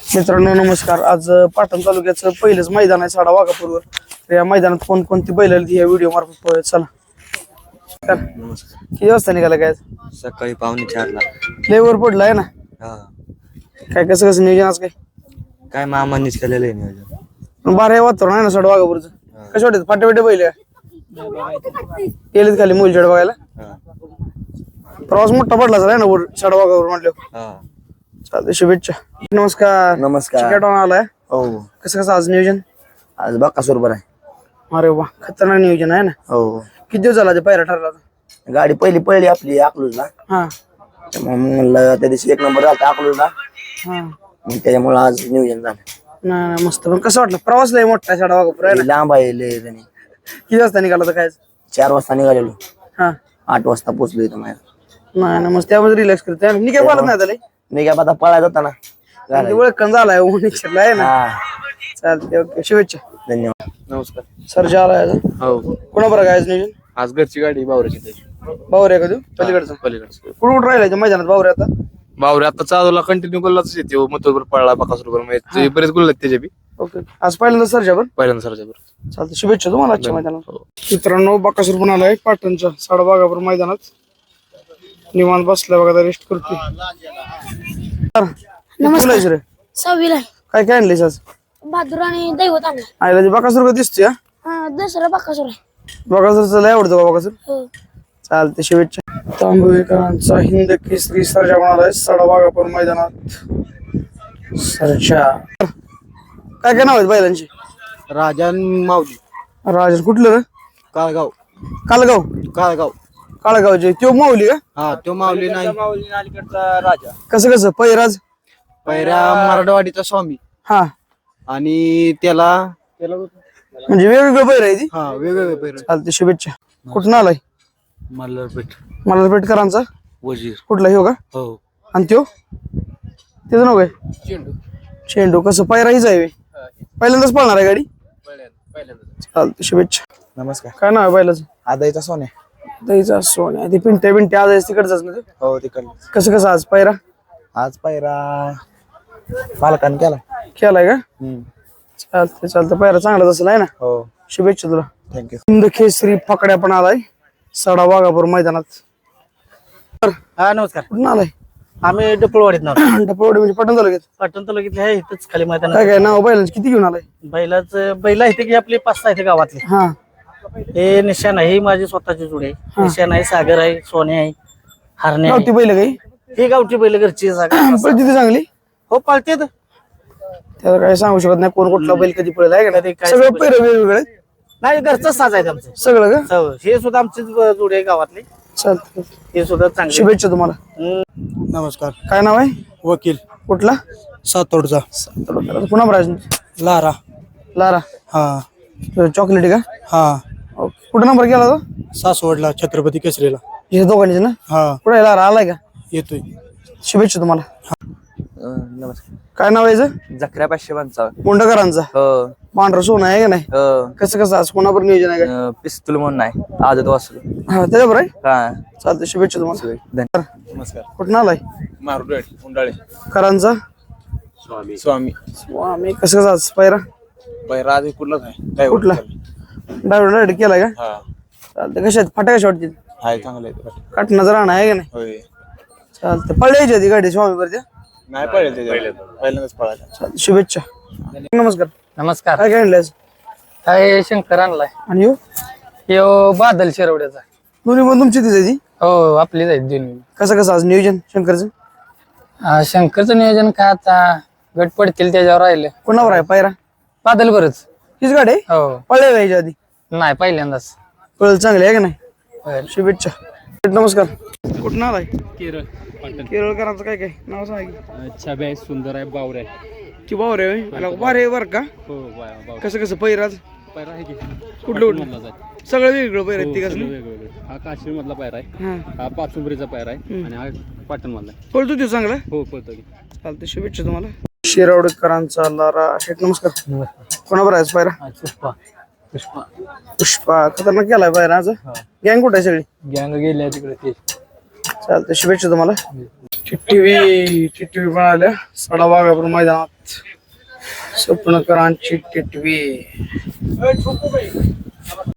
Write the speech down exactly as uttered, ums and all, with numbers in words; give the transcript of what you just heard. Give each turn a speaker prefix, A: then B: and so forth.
A: मित्रांनो नमस्कार. आज पाटण तालुक्याचं पहिलंच मैदान आहे साडा वाघापूरवर. तर या मैदानात कोणकोणती बैल आली या व्हिडिओ मार्फत पाहूया. चला.
B: नमस्कार.
A: किती वाजता निघाला काय?
B: सकाळी पावणे चारला.
A: लेवर पडला आहे ना.
B: हा
A: काय कसं कसं नियोजन आज काय?
B: काय मामांनीच केलेलं आहे नियोजन.
A: बारा हे वातावरण आहे ना साडा वाघापूरचं. कसं वाटत फाटे फाटे बैल गेलेत खाली मुलचेड बघायला.
B: हा
A: प्रवास मोठा पडला आहे ना वर साडा वाघापूर म्हटलं.
B: हा
A: चालते शुभेच्छा. नमस्कार.
B: नमस्कार.
A: चिकटॉन आलाय.
B: हो
A: कसं कसं आज नियोजन?
B: आज बाकासूर बरं आहे.
A: अरे वा खतरनाक नियोजन आहे ना.
B: हो
A: किती दिवस झाला ते पायरा ठरला?
B: गाडी पहिली पळली आपली अकलूजला.
A: हा
B: म्हणलं त्या दिवशी एक नंबर झाला अकलूजला.
A: हा
B: मग त्याच्यामुळे आज नियोजन झालं.
A: नाही नाही, मस्त. पण कसं वाटलं प्रवास लय मोठा आहे साडा वाघापूर आहे ना.
B: लांब आहे लय त्याने.
A: किती वाजता निघाला तर काय?
B: चार वाजता निघालेलो.
A: हा
B: आठ वाजता पोहोचलो इथं माझ्या.
A: नाही ना, मस्त त्यामध्ये रिलॅक्स करते. मी काय बोलत नाही त्याला.
B: मी काय आता पळायला जाता ना.
A: ओळखण झालाय ओळखला आहे ना.
B: हा
A: चालते ओके शुभेच्छा.
B: धन्यवाद.
C: नमस्कार.
A: सरजा आलाय आज.
C: हो
A: कोणा बरं काय आज नियोजन?
C: आज घरची गाडी बावऱ्याची त्याची
A: बावरे का तू पलीकडचा?
C: पलीकडचं
A: कुठं कुठं राहिलाय मैदानात बावरे आता?
C: बावरे आता चालूला कंटिन्यू गुल्लाच येते. मतोबर पळला बाकासूर बरोबर म्हणजे बरेच गुल्ल आहेत त्याच्या बी.
A: ओके आज पहिल्यांदा सरजा बरं.
C: पहिल्यांदा सरच्या बरोबर.
A: चालतं शुभेच्छा तुम्हाला आजच्या मैदानात.
C: हो.
A: मित्रांनो बकासूर पण आलाय पाटणच्या साडा वाघापूर मैदानात. निवांत बसलाय बघा रेस्ट करतोय. नमस्कार रे.
D: सहावीला
A: काय काय आणलीस आज?
D: बहादूर आणि दैवत आणला.
A: आईला ते बकासूर का दिसतोय? हा?
D: हा दसरा बाकासूर आहे.
A: बकासूरचं लय आवडतो का बकासूर?
D: हो
A: चालते शुभेच्छा. तांबवेकरांचा हिंद केसरी सरजा म्हणालाय साडा वाघापूर मैदानात. सरजा काय काय नाव आहेत बैलांची?
B: राजन माऊली
A: राजन कुठलं रे?
B: काळगाव.
A: कालगाव.
B: काळगाव.
A: काळगावचे त्यो माऊली का?
B: हा तो माऊली नाही. माऊली अलीकडचा राजा.
A: कसं कसं पैराज?
B: पहिल्या मराठवाडीचा स्वामी.
A: हा
B: आणि त्याला त्याला
A: म्हणजे वेगवेगळं पैर आहे ती.
B: हा वेगवेगळे पैर.
A: चालते शुभेच्छा. कुठून आलाय?
B: मल्हारपेठ.
A: मला पेटकरांचा
B: वजीर.
A: कुठला हो का?
B: हो.
A: आणि त्यो त्याचं नाव काय?
B: चेंडू.
A: चेंडू. कसं पैरा हीच आहे? पहिल्यांदाच पळणार आहे गाडी? चालते शुभेच्छा.
B: नमस्कार.
A: काय नाव आहे बैलाचं?
B: आदाईचा सोन्या.
A: दहीचा सोन्या. ते पिंट्या पिंट्या आज तिकडचाच ना ते?
B: हो तिकडलं.
A: कसं कसं आज पैरा
B: आज पायरा पालकान केला.
A: केलाय का? चालते चालतं पैरा चांगलाच असेल आहे ना.
B: हो
A: शुभेच्छा तुला.
B: थँक्यू.
A: हिंद केसरी फकड्या पण आलाय साडा वाघापूर मैदानात.
E: हा नमस्कार.
A: कुठून आलाय?
E: आम्ही डपळवाडीत नाव
A: डपळवाडी म्हणजे पटण तालुक्यात.
E: पाटण तालुक्यातले आहे इथंच खाली मैदान.
A: काय काय नाव बैलांची किती घेऊन आलाय?
E: बैलाच बैल आहे की आपले पाच सहा आहेत गावातले.
A: हा
E: हे निशाण आहे. ही माझी स्वतःची जुडी आहे. निशाण आहे, सागर आहे, सोने आहे, हरणे
A: गावठी
E: आहे.
A: बैल काही
E: ही गावठी बैल घरची जागा.
A: पण तिथे चांगली.
E: हो पाळते
A: त्याला काय सांगू शकत नाही कोण कुठला बैल कधी पळेल आहे का
E: ते
A: नाही.
E: काय
A: सगळं
E: सांगू
A: पैर वेगवेगळे
E: नाही. घरचं साज आहे आमचं
A: सगळं का?
E: हो, हे सुद्धा आमचीच जुडी आहे गावातली.
A: चालतं.
E: हे सुद्धा चांगली.
A: शुभेच्छा तुम्हाला.
B: नमस्कार.
A: काय नाव आहे?
B: वकील.
A: कुठला?
B: सातोडचा.
A: पुन्हा बराज
B: लारा.
A: लारा.
B: हा
A: चॉकलेटी का?
B: हा.
A: ओके. कुठं नंबर केला तो?
B: सासवडला छत्रपती केसरीला.
A: हे दोघांचे ना?
B: हा
A: कुठे लारा आलाय का?
B: येतोय.
A: शुभेच्छा तुम्हाला.
B: नमस्कार.
A: काय नाव आहे याचं?
B: जकऱ्या पाचशे पंचावन्न.
A: मुंडकरांचा
B: हो
A: पांढरा सोनं आहे का नाही?
B: हो.
A: कसं कसं आज कोणावर नियोजन आहे का?
B: पिस्तूल म्हणून नाही आदत वासरू.
A: हा त्याच्यावर आहे.
B: हा
A: चालतं शुभेच्छा तुम्हाला.
C: नमस्कार.
A: कुठं आलाय?
C: मारुडेड उंडाळे.
A: करांचा
C: स्वामी स्वामी
A: आम्ही कसं कसं आज पायरा
C: पहिला आधी कुठलाच आहे काय
A: कुठला? डायव्हर डायरेक्ट केलाय का?
C: हा
A: चालतं. कशा आहेत फाट्या कशा वाटतील?
C: हाय चांगलं आहे.
A: काटण्याचं राहणं आहे का नाही?
C: होय
A: चालतं. पळायची आधी गाडी स्वामी वरती.
C: नाही पळेल त्याच्या पहिल्यांदाच पळायला.
A: चालतं शुभेच्छा. नमस्कार.
E: नमस्कार.
A: काय काय आणलंय आज?
E: काय शंकर आणलाय.
A: आणि यो
E: यो बादल शिरवड्याचा.
A: दोन्ही पण तुमची तिथे ती.
E: हो आपलीच आहेत दोन्ही.
A: कसं कसं आज नियोजन शंकरचं?
E: हा, शंकरचं नियोजन काय आता गट पडतील त्याच्यावर राहिलं.
A: कोणावर आहे पायरा?
E: बादल बरच.
A: हीच गाडी आहे?
E: हो
A: पळल्या का याच्या आधी?
E: नाही पहिल्यांदाच.
A: पळल चांगली आहे का नाही?
E: होय.
A: शुभेच्छा. नमस्कार. कुठं आलाय?
F: केरळ.
A: केरळकरांचं काय काय नाव सांग.
F: छबे आहे, सुंदर आहे, बावर आहे.
A: की बावर आहे बारे बर का?
F: हो बावर.
A: कसं कसं पैराज?
F: पायरा आहे की
A: कुठलं कुठलं? सगळं वेगळं पैर आहेत तिघांचं?
F: वेगवेगळे. हा काश्मीर मधला पायरा आहे.
A: हा
F: हा पाचुंबरीचा पायरा आहे आणि हा पाटण मधला आहे.
A: पळतो तो चांगला.
F: हो पळतो की.
A: चालतं शुभेच्छा तुम्हाला. शिरावडेकरांचा लारा शेठ नमस्कार. कोणावर आहे पायरा?
E: पुष्पा. पुष्पा
A: पुष्पा खतरनाक केलाय पायरा आज. गँग कुठे आहे सगळी?
E: गँग गेल्या तिकडे ते.
A: चालतं शुभेच्छा तुम्हाला. टिटवी टिटवी पण आल्या सडा वाघापूर मैदानात स्वप्नकरांची टिटवी